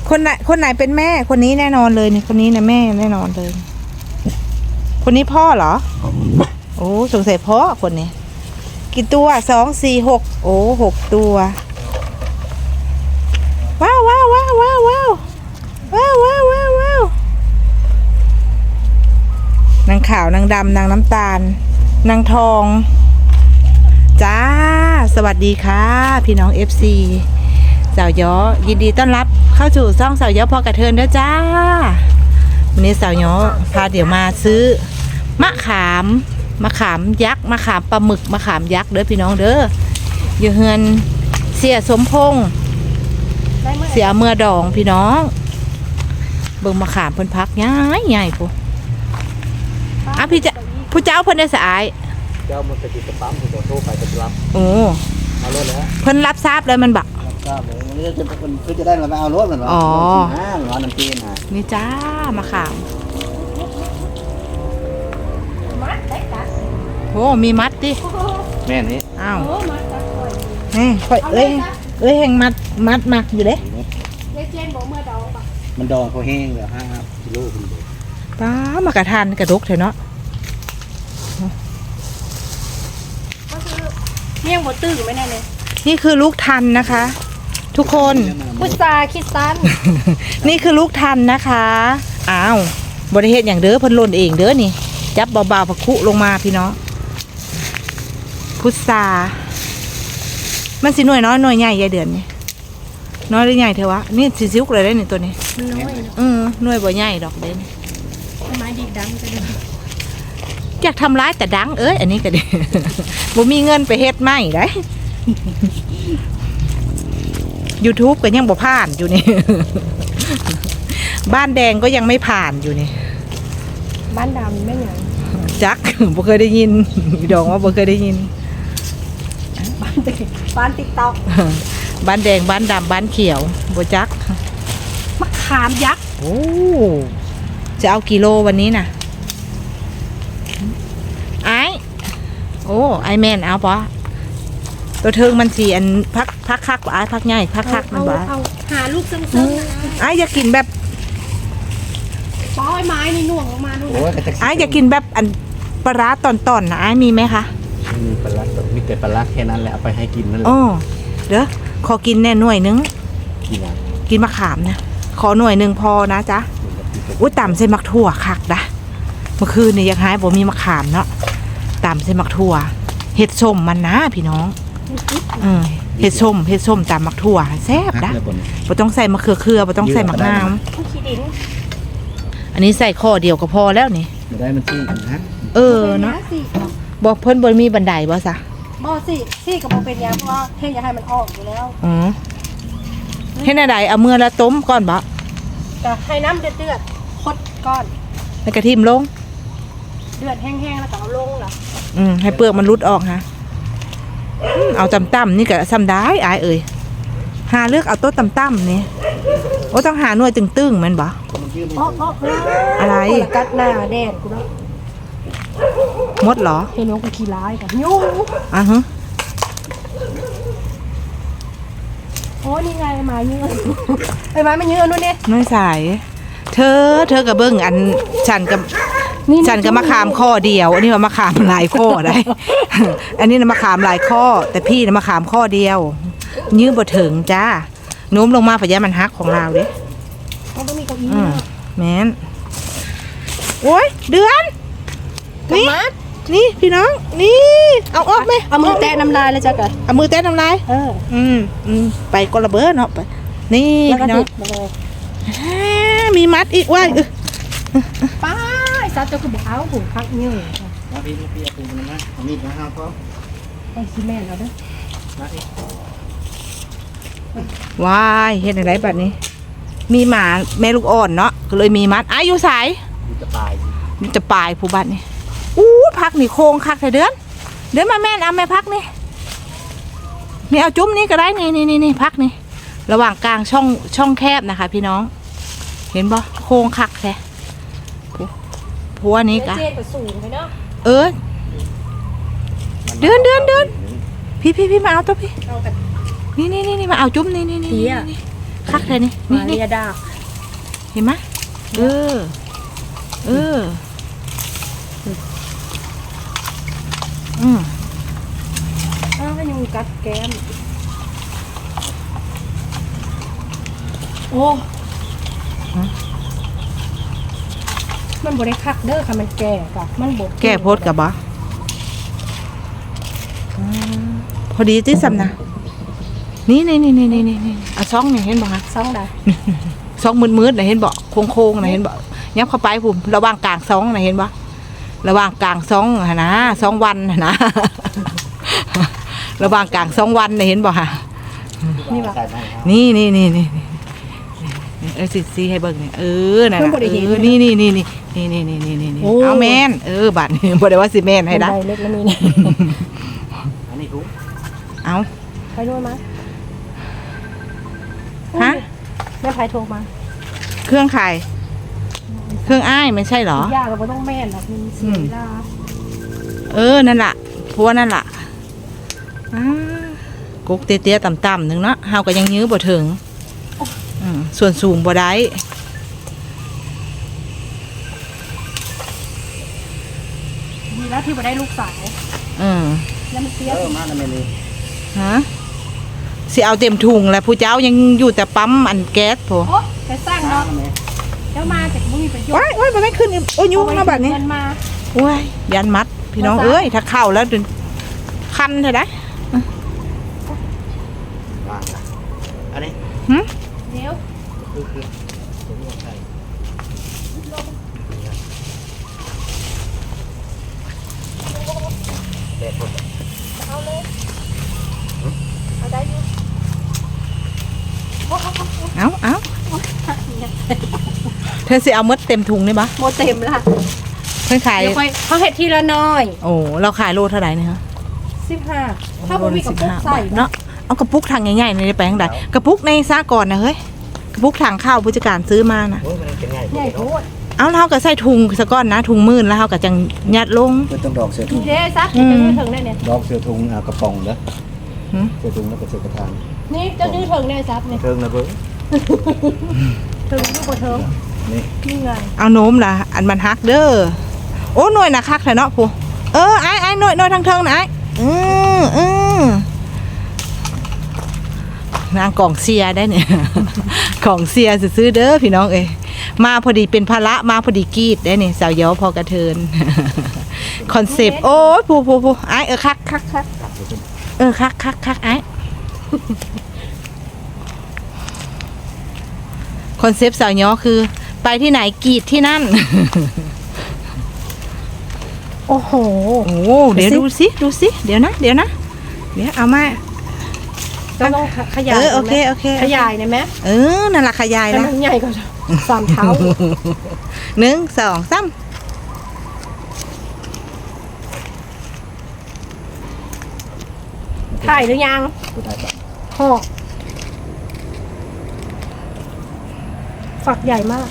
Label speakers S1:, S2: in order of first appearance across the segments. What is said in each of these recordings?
S1: คนไหนเป็นแม่คนนี้แน่นอนเลยนี่คนนี้นะแม่แน่นอนเลยคนนี้พ่อเหรอโอ้สงสัยพ่อคนนี้กี่ตัว2 4 6โอ้6ตัวว้าวว้าวว้าวว้าวว้าวว้าวว้าวว้าวว้าวนางขาวนางดำนางน้ำตาลนางทองจ้าสวัสดีค่ะพี่น้อง FC สาวย้อยินดีต้อนรับเข้าสู่ช่องสาวย้อพอกระเทินด้วยจ้าวันนี้สาวย้อพาเดี๋ยวมาซื้อมะขามยักษ์มะขามปลาหมึกมะขามยักษ์เด้อพี่น้องเด้ออยู่เฮือนเสียสมพงษ์เสียเมื่อดองพี่น้องเบิ่งมะขามเพิ่นพักใหญ่ปุ๊อ่ะพี่จะผู้เจ้าเพิ่นได้สาย
S2: เจ้ามันจะติดกระปั๊มผมโทรไปจะรับ
S1: โอ้
S2: เอารถแล้ว
S1: เพิ่นรับทราบเลยมันบัก
S2: ครับวันนี้จะเป็นเพื่อจะได้มาเอารถเหมือนว่าร้านน้ำจีนนะ
S1: นี่จ้ามาขามโอ้มีมัดดิ
S2: แม่นี้
S1: อ้าวนี่ค่อยเอ้ยแห่งมัดมักอยู่เด้
S2: มันดองเขาแห้งเลย5 กิโลคุณดู
S1: ป้ามากระทานกระดกเถอะเนาะ
S3: นี่ยังบดตื้ออยู่ไหมแน่เลย
S1: นี่คือลูกทันนะคะทุกคน
S3: พุทราคิดตัน
S1: นี่คือลูกทันนะคะอ้าวบริเหตุอย่างเด้อเพิ่นหล่นเองเด้อนี่จับเบาๆผักคุลงมาพี่น้องพุทรามันสิหน่วยน้อยหน่วยใหญ่ยายเดือนนี่น้อยหรือใหญ่เถอะวะนี่สิซิวเลยได้นี่ตัวนี้
S3: มันน้อย
S1: หน่วยบ่ใหญ่ดอกเด่น
S3: ไม้ดีดังจะดี
S1: อยากทำร้ายแต่ดังอันนี้ก็ดี บ่มีเงินไปเฮ็ดไม่ได้ YouTube ก็ยังบ่ผ่านอยู่นี่ บ้านแดงก็ยังไม่ผ่านอยู่นี่
S3: บ้านดำไม่หยัง
S1: จัก บ่เคยได้ยินดองว่าบ่เคยได้ยิน
S3: บ้านติ๊กต็อก
S1: บ้านแดงบ้านดำบ้านเขียวบ่จัก
S3: มะขามยักษ์
S1: โอ้จะเอากิโลวันนี้น่ะโอ้ไอแมนเอาปะตัวเทิงมันสีอันพักคักไอพักใหญ่พักมันบ้า
S3: หาลูกซึ้ง
S1: ไออยากกินแบบ
S3: ป้อยไม้นี่หน่วงออกมาดู
S1: ไออยากกินแบบอันปลาตอนนะไอมีไหมคะ
S2: มีปลามีแต่ปลาแค่นั้นแหละเอาไปให้กินนั่นแหละ
S1: โอ้เด้อขอกินแน่หน่วยนึงกินมะขามนะขอหน่วยนึงพอนะจ๊ะอุ้ยต่ำใส่มักถั่วคักนะเมื่อคืนนี่ยังหายบ่มีมะขามเนาะตำใส่มักถั่วเห็ดส้มมันนะพี่น้องเห็ดส้มตำมักถั่วแซ่บนะบ่ต้องใส่มะเขือบ่ต้องใส่มะนาวอันนี้ใส่ข้อเดียวก็พอแล้วนี่
S2: ได้มันซี่นะ
S1: เนาะบอกเพิ่นบ่มีบันไดบ่ซะ
S3: บ่ซี่กับบ่เป็นยาเพราะว่าเฮ็ดอย่าให้มันออกอยู่แล้ว
S1: เฮ็ดอะไรเอาเมื่อละต้มก่อนบ่
S3: ก็ให้น้ำเดือดคดก้อน
S1: แล้วกระทิมลง
S3: เดือดแห้งๆแล้วก็เอาลงล่ะ
S1: ให้เปลือกมันรุดออกฮะเอาต่ำๆนี่ก็ซ้ำได้อายเอ่ยหาเลือกเอาโต๊ะต่ำๆนี่โอ้ต้องหาหน่วยตึงๆมันบ่อะไร
S3: กัดหน้าแดนกูเนาะ
S1: มดเหรอ
S3: เห็นว่ากูขี้ร้ายกับยูโอ้นี่ไงมาเยอะไอ้ไม้มันเยอะนู่นเนี่ย
S1: น้อยสายเธอกับเบิ้งอันฉันกับมะขามข้อเดียวอันนี้ว่ามะขามหลายข้อได้ อันนี้นะมะขามหลายข้อแต่พี่นะมะขามข้อเดียวยื้อบ่ถึงจ้าโน้มลงมาพยามันฮักของเราเด้
S3: ต้องมีเก้าอี้
S1: แม่นโอ้ยเดือนนี่พี่น้องนี่เอาออกไหม
S3: เอามือแตะน้ำลายเลยจ้ะกัน
S1: เอามือแตะน้ำลายไปกระเบิดเนาะไปนี่พี่น้องมีมัดอีกว่า
S3: ป้าซัดจะคือบอกเอาหูพักยืด
S2: พี่เอาปูมันนะเอามีดมาห้าพ่อ
S3: ไอ้ซีเมนต์เอาด้วย
S1: ว้ายเห็นอะไรแบบนี้มีหมาแม่ลูกอ่อนเนาะก็เลยมีมัดอายุสายจะปลายผู้บ้านนี่พักนี่โค้งคักเลยเดือนมาแม่เอาแม่พักนี่เอาจุ้มนี่ก็ได้นี่พักนี่ระหว่างกลางช่องแคบนะคะพี่น้องเห็นบ่โค้งคักแท้ผัวนี้กะเดือนพี่มาเอาตัวพี่นี่มาเอาจุ้มนี่คักเลยนี่
S3: มา
S1: นี่
S3: เรียดา
S1: เห็นไหมเอออืม
S3: อ้าวยังกัดแก้มโอ้มันบ่ได้คักเด้อค่ะมันแก่กะมันบ่
S1: แก้โพดกับบ่พอดีที่สำนะนี่เอาซองนี่เห็นบ่คะ
S3: ซ่องได้
S1: ซองมืดๆน่ะเห็นบ่โค้งๆน่ะเห็นบ่ยับเข้าไปผมระหว่างกลางซองน่ะเห็นบ่ระหว่างกลางซองหั่นนะ2 วันหั่นนะ ระหว่างกลาง2 วันน่ะเห็นบ่ค่ะ
S3: นี่ว่ะ
S2: ใส่ไปครับ
S1: นี่สิให้เบิ่งนี่นั่น
S3: เพิ่นบ่
S1: น่ะ
S3: ได้เห็น
S1: นี่
S3: โอ้
S1: เอาแม่นบัดนี้บ่ได้ว่าสิแม่นให้ได้
S3: ได้เล็กแล้วมีนี่
S2: อันนี้ถุง
S1: เอา
S3: ไปด้วยมั้ย
S1: ฮะ
S3: แม่ไผโทรมา
S1: เครื่องขายเครื่องอ้ายไม่ใช่เหรอ
S3: ยากเราบ่ต้องแม่นหรอกมันเสียเวลา
S1: นั่นล่ะพัวนั่นล่ะกุ๊กเตี้ยๆต่ำๆหนึงเนาะเฮาก็ยังยื้อบ่ถึงส่วนสูงบ่ได้
S3: ดีแล้วที่บ่ได้ลูกสาว แล้วมันเสีย
S2: มาแล้วแม่นี่
S1: ฮะสิเอาเต็มถุงแล้วผู้เจ้ายังอยู่แต่ปั๊มอันแก๊สโผ
S3: โอ้ไปสร้างเนาะแล้วมาแต่ก็บ่มีประโยชน์
S1: ว้ายบ่ได้ขึ้นโอ้ยยุ่งนะบัดนี้
S3: เงินมา
S1: โอ้ยยันมัดพี่น้อง
S3: มาซะ
S1: เอ้ยถ้าเข้าแล้วคันเถอะนะ
S2: วางละอันนี้
S3: เดี๋ยว
S2: คือตัวนี้ใส่แดดหมด
S3: เอาเลยเอาได้อยู่โอ้โห
S1: เอาเธอสิเอามดเต็มถุงนี่ปะ
S3: โมเต็มละ
S1: เพิ่นขาย
S3: เดี๋ยวค่อยเขาเห็ดทีละน้อย
S1: โอ้เราขายโลเท่าไหร่เนี่ยฮะ
S3: 15ถ้าบ่มีกระปุกใส่
S1: เนาะเอากระปุกถังใหญ่ๆในแปลงใดกระปุกในซาก่อนนะเฮ้ยกระปุกถังข้าวผู้จัดการซื้อมานะ
S2: โอ้ยมันเป็นไง
S3: ใหญ่โพด
S1: เอาแล้วเราก็ใส่ถุงซะก่อนนะถุงมื่นแล้วเราก็จังยัดลง
S2: เพื่อต้องดอกเสือถุง
S3: เด้ซักจะยืดถึงได้เนี่ย
S2: ดอกเสือถุงเอากระป๋องเด้อ
S1: หืม
S2: เสือถุงแล้วก็เสือกระถาง
S3: นี่จะยืดถึงได้ซับเนี่ย
S2: เทิงนะเบิ้ง
S3: ถึงลูกบ่ถึง
S2: นี่
S3: นี่ไง
S1: เอาโน้มล่ะอันมันฮักเด้อโอ้หน่วยนะคักแท้เนาะผู้ไอ้หน่วยทางเทิงนะไอ้นางกล่องเสียได้เนี่ย กล่องเสียซื้อเด้อพี่น้องเอ้ยมาพอดีเป็นภาระมาพอดีกรีดได้เนี่ยสาวย้อพอกระเทิน คอนเซปต์โอ้ยผู้ไอ้คักคักไอ้คอนเซปต์สาวย้อคือไปที่ไหนกรีดที่นั่น
S3: โอ้โห
S1: โอ้เดี๋ยวดูสิเดี๋ยวนะเดี๋ยวเอามา
S3: ต้องขยาย
S1: โอเค
S3: ขยายได้ไหม
S1: นั่นละขยาย
S3: ให้
S1: ละ
S3: มันใหญ่กว่า3 เท่า
S1: 1 2 3
S3: ถ่ายหรือยัง
S2: ตัวได้ปะ
S3: ห่อฝักใหญ่มาก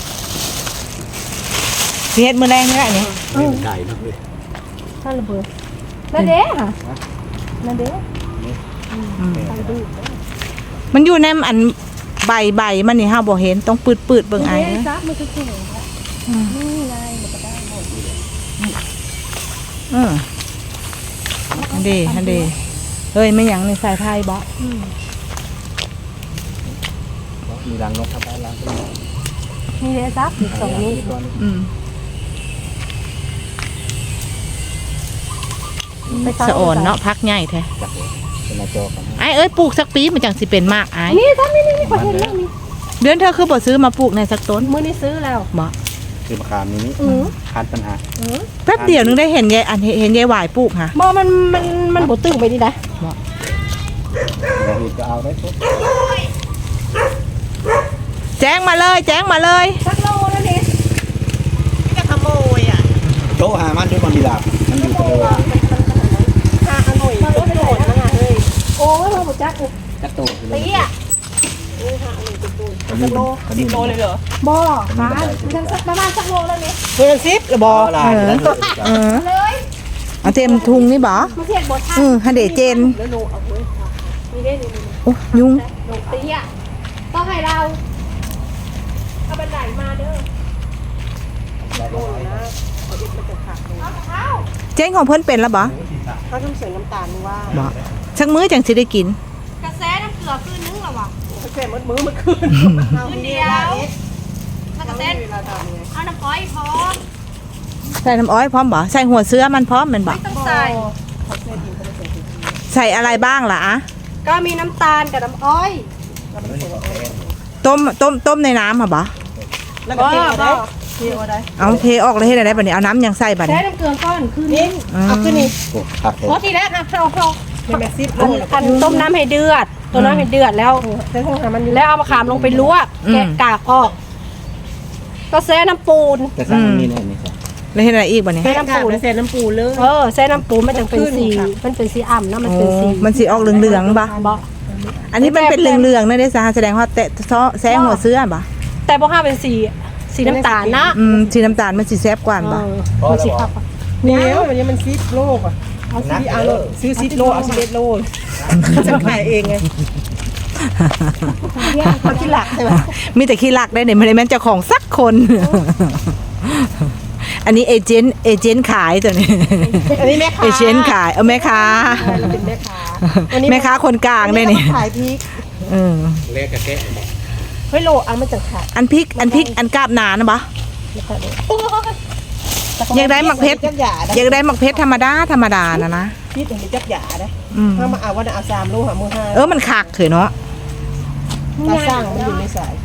S1: เฮ็ดมื้อแรงนี่แหละนี่
S2: นี่มันไก่นะเว้ย
S3: ถ้าระเบิดนั่นเด้ค่ะนั่นเด้ไปดู
S1: มันอยู่ในอันใบมันนี่เฮาบ่เห็นต้องปืดเบิ่งไอ้
S3: นี่
S1: เด้อ
S3: ซับมันคือสวยนี่ไงมันก็ได้หมด
S1: ฮันเดเฮ้ยไม่หยังในสายไทยบ่
S2: มีรังนกทำได้รังก็มี
S3: นี่เลยซับอีก2 นิ้ว
S2: ตัวนี้
S3: ไปซับ
S1: สะอ่อนเนาะพักใหญ่แท้
S2: จับเลยเป็นหน้าจอกัน
S1: ไอ้เอ้ยปลูกสักปีมันจังสิเป็นมากไอ้
S3: นี่ซับนี่ขอเห็นเรื่องนี้
S1: เดือนเธอคือบ่ซื้อมาปลูกในสักต้น
S3: มื้อนี้ซื้อแล้ว
S1: บ่
S2: คือมะขามนี้ คานปัญหา
S1: แป๊บเดียวนึงได้เห็นยายเห็นยายหวายปลูกค่ะ
S3: บ่มันบ่ตึงไปนี่นะ
S2: เราอีกก็เอาได้ปุ๊บ
S1: แจ้งมาเลย
S3: สักโลแล้วนี่
S1: จะขโมยอ่ะ
S2: โต๊ะหามันด้วยมันมีดาบมันอยู่ตัว
S3: หาอร่อยมันโดดมาเฮ้ยโอ้ยบ่จัก
S2: กระโตกเลย
S3: ตีอ่ะ
S2: สักโล10 โลเลยเหรอ
S3: บ่ฟ้ามันสักประมาณสักโลแล้วนี่
S1: เพื่อนซิปหรือบ่
S2: ลายแล้ว
S3: เลย
S1: เอาเต็มทุงนี่บ่
S3: มันเทียบบ่ทัน
S1: ฮันเดเจน
S3: แล้วโลเอาเว้ยนี่ได้นี่
S1: โอ้ยุง
S3: โลตีอ่ะต่อให้เราเอาบันไดมาเด้อโน่นนะเขาจะมันจะขาดเลยเอา
S1: เจ๊งของเพิ่นเป็นแล้วบ่
S3: เขาทำเสียงน้ำตาลว่า
S1: บ่ชักมื้อจังสิได้กิน
S3: กระแสน้ำเกลือคืนนึงหรอวะกระแสมือเมื่อคืนคืนเดียวถ้ากระแสเอาน้ำอ้อยพอ
S1: ใส่น้ำอ้อยพร้อมบ่ใส่หัวเสื้อมันพร้อมแม่นบ่
S3: ไม่ต้องใส่
S1: ใส่อะไรบ้างล่ะอะ
S3: ก็มีน้ำตาลกับน้ำอ้อย
S1: ต้มในน้ำเหรอบ่
S3: แล้วก็เทได้
S1: เอาเทออกเลยให้ได้บัดนี้เอาน้ำยังใส่บัด
S3: ใช้
S1: นี้
S3: น้ำเกลือก้อนคืนนี้
S2: เอาขึ้นนี่โอ้ครับ
S3: เพราะทีแรกครับเราอันต้มน้ำให้เดือดต้มน้ำให้เดือดแล้วแล้วเอามะขามลงไปลวกแกะกากออก ก็แซ่น้ำปูน
S2: แต่สั่งมันมีแน่นี่ครับ
S1: แล้วเฮ็ดอะไรอีกบัดนี้
S3: แซ่น้ำปูนแซ่น้ำปูนเลยแซ่น้ำปูนมันจะเป็นสีมันเป็นสีอ่ำนะมัน
S1: โอ้
S3: เป็นสี
S1: มันสิออกเหลืองๆบ่
S3: บ่
S1: อันนี้มันเป็นเหลืองๆนั่นเด้ซะแสดงว่าแตะแซงหัวเสื้อบ่
S3: แต่บ่ห้าเป็นสีน้ำตาลนะ
S1: สีน้ำตาลมันสิแซ่บกว่าบ่
S3: มันสีครับ
S4: เหนียววันนี้มันซิปโลกอ่ะเอาซิปเอาโลซื้อซิปโลเอาซิปโลจะขายเองไงเขาที่หลักใช่ไหม
S1: มีแต่ขี้ลักได้เนี่ยไม่ได้แม่นเจ้าของสักคน อันนี้เอเจนต์ขายตัวนี้
S4: อันนี้แม่ค้า
S1: เอเจนต์ขายแม่ค้า
S4: เราเป็นแม่ค้า
S1: แม่ค้าคนกลางได้นี่
S4: ขายพริก
S1: เออ
S2: เลขกระแกะ
S4: เฮ้ยโลเอามาจากขาย
S1: อันพริกอันกาบหนานะบ่อยากได้หมักเพชร
S4: จักหยาได้
S1: อยากได้หมักเพชรธรรมดานะ
S4: พริกอย่างนี้จักหยาได้
S1: อืม
S4: ถ้ามาเอาว่าเอา3 โลหามือ5
S1: มันคักเถอะเนาะ
S4: ตาสร้างมันอยู่ในสาย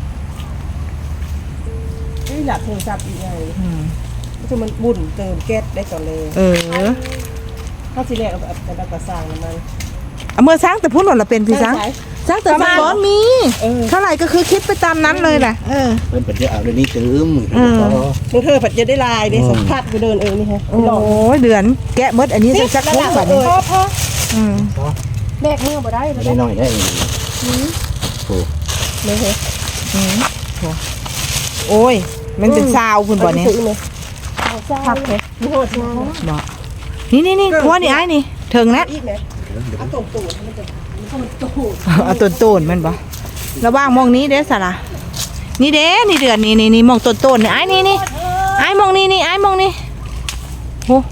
S4: นี่หลักโทรศัพท์อีกไง
S1: อืม
S4: คือมันบุ่นเติมแก๊สได้ก่อนเลย
S1: เออ
S4: ถ้าสิแรกเอาแบบกระสร้างมัน
S1: เอาเมื่อสร้างแต่พูดหล่นละเป็นพี่สร้างสร้างแต่สร้างก้อนมี เท่าไหร่ก็คือคิดไปตามนั้นเลยแหละเออ
S2: เพิ่นเป็นจะเอาเดี๋ยวนี้ตื้ม
S4: มึงเธอผัดจะได้ลายได้สัมผัสไปเดินนี่ฮะ
S1: โอ้ยเดือนแกะมดอันนี้จะสักคุ้มแบบนี้
S4: พอ
S1: อืม
S3: แบกมือบ่ได้
S2: ไม่ได้น้อยได้โอ้
S4: เลยฮะ
S1: โอ้ย มันเป็นซาวคุณบ่เนี่ย
S4: ผักเลยมีโหดงาน
S1: บ่นี่ครัวนี่ไอ้นี่ถึงแล้ว
S4: อีกไหมเอาตุ่มตูดมันจะ
S1: เอาต้นมันบ่ระว่างมองนี้เด้อสาระนี่เด้นี่เดือนนี่มองต้นนี่ไอ้นี่ไอ้มองนี่ไอ้มองนี่โห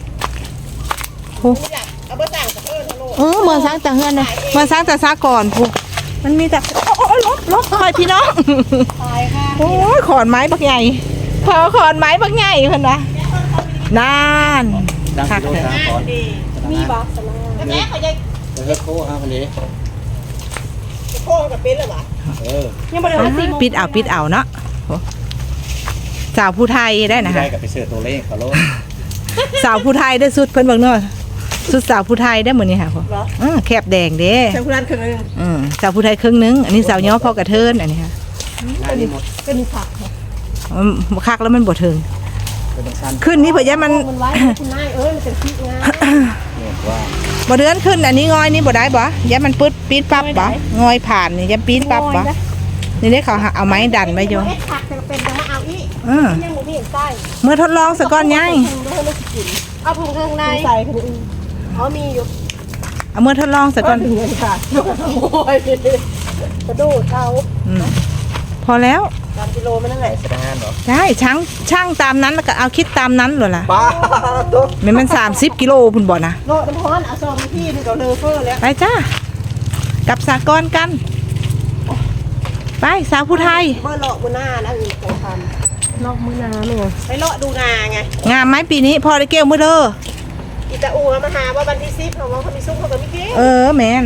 S4: เอาเบอร์ต่างกับฮัลโหล
S1: เมืองสร้างแต่เฮือนเลยเมืองสร้างแต่ซาก่อนพูมันมีแต่โอ้ยลบคอยพี่น้อง
S4: ตายค่ะ
S1: โอ้ยขอนไม้บักใหญ่ขอนไม้บักใหญ่เพิ่นนะนาน
S2: ดังกิโล3ก่อน
S4: มีบอสมาแม่เขาจะ
S2: เฮ็ดโค้ฮะคนนี้
S4: โค้งกับเป็นหรอวะ
S3: ยังบ่ได้ว่าสี
S1: ปิดเอาเนาะโอ้สาวผู้ไทยได้นะ
S2: ได้
S1: คะ
S2: กับไปเสิร์ฟตัวเลขเขาโล
S1: สาวผู้ไทยได้สุดเพิ่นเบิ่งเนาะสุดสาวผู้ไทยได้หมดนี่ค่ะพ่อ
S4: เหรอ
S1: แคบแดงเด้
S4: ใช้คุณรันครึ่งนึง
S1: สาวผู้ไทยครึ่งนึงอันนี้สาวย่อพ่อกระเทินอันนี้ค่ะ
S2: หน้านี้หมด
S4: ก็มีผัก
S1: คักแล้วมันบ่ถึง
S2: เป็นสั้น
S1: ขึ้นนี่เผื่อมัน
S3: มันไว้คุณนายมันเป็นพริกงา
S2: เนี่ยว่า
S1: บ่เดือนขึ้นอันนี้งอยนี่บ่ได้บ่ยะมันปึ๊ดปี๊ดปั๊บบ่งอยผ่านนี่ยะปี๊ดปั๊บบ่นี่ได้เขาเอาไม้ดันไว้อยู่
S3: เฮ็ดผักจะเป็นจะมาเอาอีก ยังบ่มีเห็นใต้
S1: เมื่อทดลองซะก่อนยาย
S3: เอาผงข้างใน
S4: ใส่คนอื่น
S3: อ๋อมีอยู่
S1: เอาเมื่อทดลองซะก่อน
S4: ถึงเงินค่ะ
S3: โอ้ยกระโดดเอา
S1: พอแล้ว
S4: 3 กิโลมันนั่นแหละ
S2: แสดงเหรอ
S1: ใช่ช่างตามนั้นแล้วก็เอาคิดตามนั้นเลยล่ะ
S2: ป้าตุ๊ก
S1: มัน30 กิโลพุ่นบ่นะ
S4: โลน้ำร้อนเอาซอมพี่นี่ก็เลอเฟอร์แล้ว
S1: ไปจ้ากับสากรกัน ไปสาวผู้ไทย
S4: เมื่อเลาะมือหน้านะอีกสำคัญ
S3: นอกมือนาหนู
S4: ไปเลาะดูนาไง
S1: งามไหมปีนี้พอได้เกลมือเด้อ
S4: อีตาอูมาหาว่าวันที่10เขาว่าเขามีซุปเขาก็มีเกี้
S1: แมน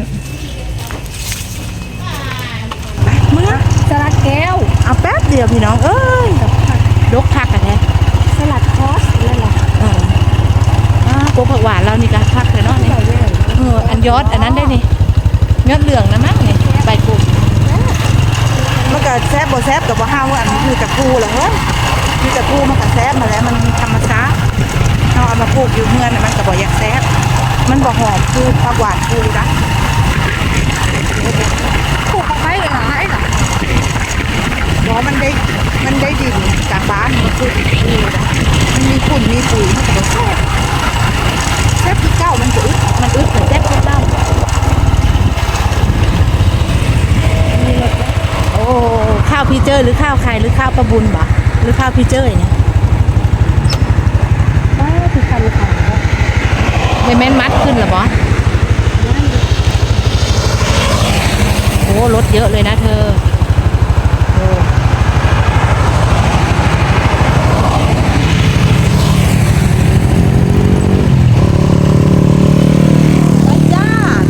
S1: ไปเมื่อ
S3: สลัดแก้ว
S1: เอาแป๊บเดียวพี่น้องเอ้ยดกพักกันแท้
S3: สลัดคอสนั่นแหละ
S1: โกผักหวานเรานี่ก็พักเลยเนาะนี่อันยอดอันนั้นได้นี่ยอดเหลืองนะมั้งนี่ใบกุ่มมันก็แซ่บบ่แซ่บกับบ่ห้าวอันคือตะกูเหรอเฮ้ยคือตะกูมันก็แซ่บมาแล้วมันธรรมชาติเราเอามาปลูกอยู่เมืองน่ะมันก็บ่อยากแซ่บมันบ่หอมคือผักหวานคือนะ
S3: ปลูกไม้เลยเหรอไอ้เหรอ
S1: เพราะมันได้ดินจากบ้านมันคือนี่นะมันมีฝุ่นมีปุ๋ยมันก็บ่แซ่บแซ่บที่เก้ามันจะอึดมันอึดเหมือนแซ่บที่เก้าโอ้พี่เจ้ยหรือข้าวใครหรือข้าวประบุญบ่หรือข้าวพี่เจ้ยเนี่ย
S3: บ้าคือคันขา
S1: ไม่แม่นมัดขึ้นเหรอบอโอ้รถเยอะเลยนะเธอโอ้จ้า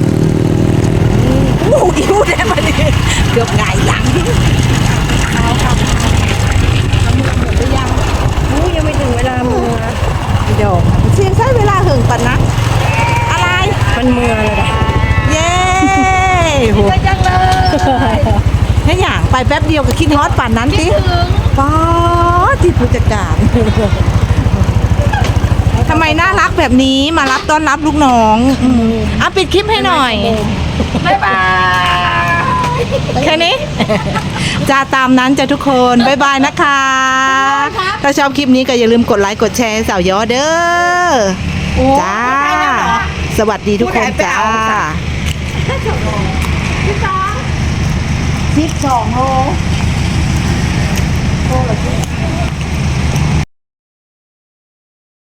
S1: โอ้ยิ้วได้มาดิเกือบไงหลังเอาค่ะเอามือหมดหรือยัง
S3: อู้ยังไม่ถึงเวลามือ
S1: เดี๋ยวเสียงใช้เวลาหึงปันนะ อะไร
S3: มันมือเลยนะ
S1: เย้โหจังเลยถ้าอย่างไปแป๊บเดียวก็คิดฮอตป่านนั้นติป๊าดที่ผู้จัดการทำไมน่ารักแบบนี้มารับต้อนรับลูกน้องอ่ะปิดคลิปให้หน่อย บ๊ายบาย แค่นี้ จะตามนั้นจะทุกคน บ๊ายบายนะคะ ถ้าชอบคลิปนี้ก็อย่าลืมกดไลค์กดแชร์สาวยอเด้อจ้า สวัสดีทุกคนจ้า12 โล